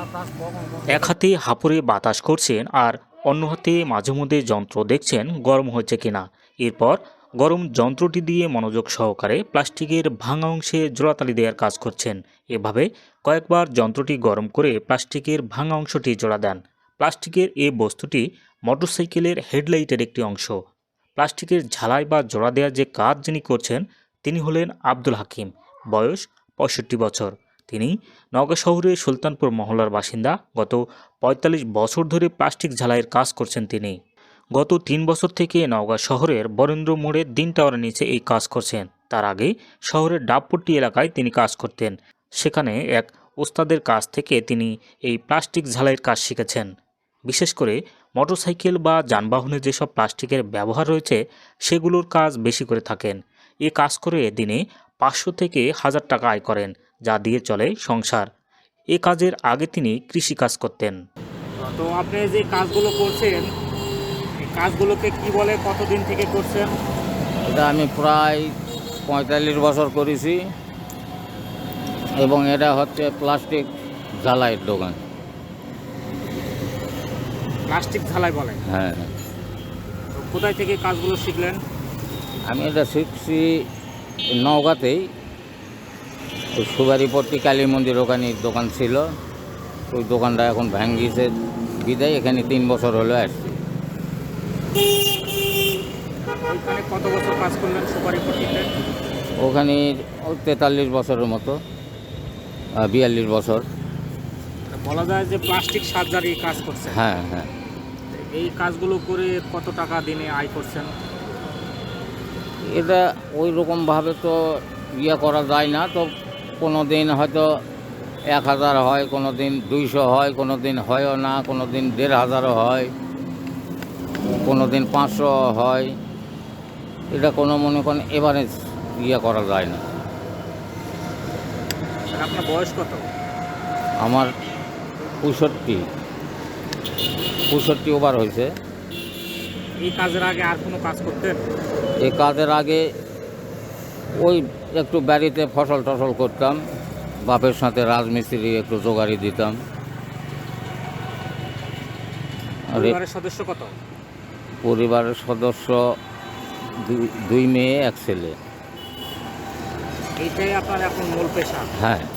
এক হাতে হাঁপুড়ে বাতাস করছেন আর অন্য হাতে মাঝে মধ্যে যন্ত্র দেখছেন গরম হয়েছে কিনা। এরপর গরম যন্ত্রটি দিয়ে মনোযোগ সহকারে প্লাস্টিকের ভাঙা অংশে জোড়াতালি দেওয়ার কাজ করছেন। এভাবে কয়েকবার যন্ত্রটি গরম করে প্লাস্টিকের ভাঙা অংশটি জোড়া দেন। প্লাস্টিকের এই বস্তুটি মোটরসাইকেলের হেডলাইটের একটি অংশ। প্লাস্টিকের ঝালাই বা জোড়া দেওয়ার যে কাজ যিনি করছেন তিনি হলেন আব্দুল হাকিম, বয়স ৬৫ বছর। তিনি নওগাঁ শহরের সুলতানপুর মহল্লার বাসিন্দা। গত ৪৫ বছর ধরে প্লাস্টিক ঝালাইয়ের কাজ করছেন তিনি। গত ৩ বছর থেকে নওগাঁ শহরের বরেন্দ্র মোড়ের দিন টাওয়ারের নিচে এই কাজ করছেন। তার আগে শহরের ডাবপট্টি এলাকায় তিনি কাজ করতেন। সেখানে এক ওস্তাদের কাছ থেকে তিনি এই প্লাস্টিক ঝালাইয়ের কাজ শিখেছেন। বিশেষ করে মোটরসাইকেল বা যানবাহনে যেসব প্লাস্টিকের ব্যবহার রয়েছে সেগুলোর কাজ বেশি করে থাকেন। এ কাজ করে দিনে ৫০০ থেকে ১০০০ টাকা আয় করেন, যা দিয়ে চলে সংসার। এ কাজের আগে তিনি কৃষিকাজ করতেন। তো আপনি যে কাজগুলো করছেন, এই কাজগুলোকে কি বলে, কতদিন থেকে করছেন? এটা আমি প্রায় ৪৫ বছর করেছি এবং এটা হচ্ছে প্লাস্টিক ঝালাইয়ের দোকান। প্লাস্টিক ঝালাই বলে? হ্যাঁ, তো কোথায় থেকে কাজগুলো শিখলেন? আমি এটা শিখছি নওগাঁতেই। ওই সুবারিপট্টি কালী মন্দির ওখানে দোকান ছিল, ওই দোকানটা এখন ভাঙ্গিছে বিদায় এখানে ৩ বছর হলো আসছি। ওইখানে কত বছর কাজ করলেন সুপারিপট্টিতে? ওখানে ওই ৪৩ বছরের মতো, ৪২ বছর। বলা যায় যে প্লাস্টিক সার্জারি কাজ করছেন। হ্যাঁ হ্যাঁ, এই কাজগুলো করে কত টাকা দিনে আয় করছেন? এটা ওই রকমভাবে তো করা যায় না। তো কোনো দিন হয়তো ১,০০০ হয়, কোনো দিন ২০০ হয়, কোনো দিন হয়ও না, কোনো দিন ১,৫০০ হয়, কোনো দিন ৫০০ হয়। এটা কোনো মনে করেন এভারেজ করা যায় না। আপনার বয়স কত? আমার ৬৫ ওভার হয়েছে। এই কাজের আগে আর কোনো কাজ করতেন? এই কাজের আগে ওই একটু বাড়িতে ফসল টসল করতাম, বাপের সাথে রাজমিস্ত্রি একটু জোগাড়ি দিতাম। পরিবারের সদস্য কত? পরিবারের সদস্য ২ মেয়ে ১ ছেলে। এইটাই আপনার এখন মূল পেশা? হ্যাঁ।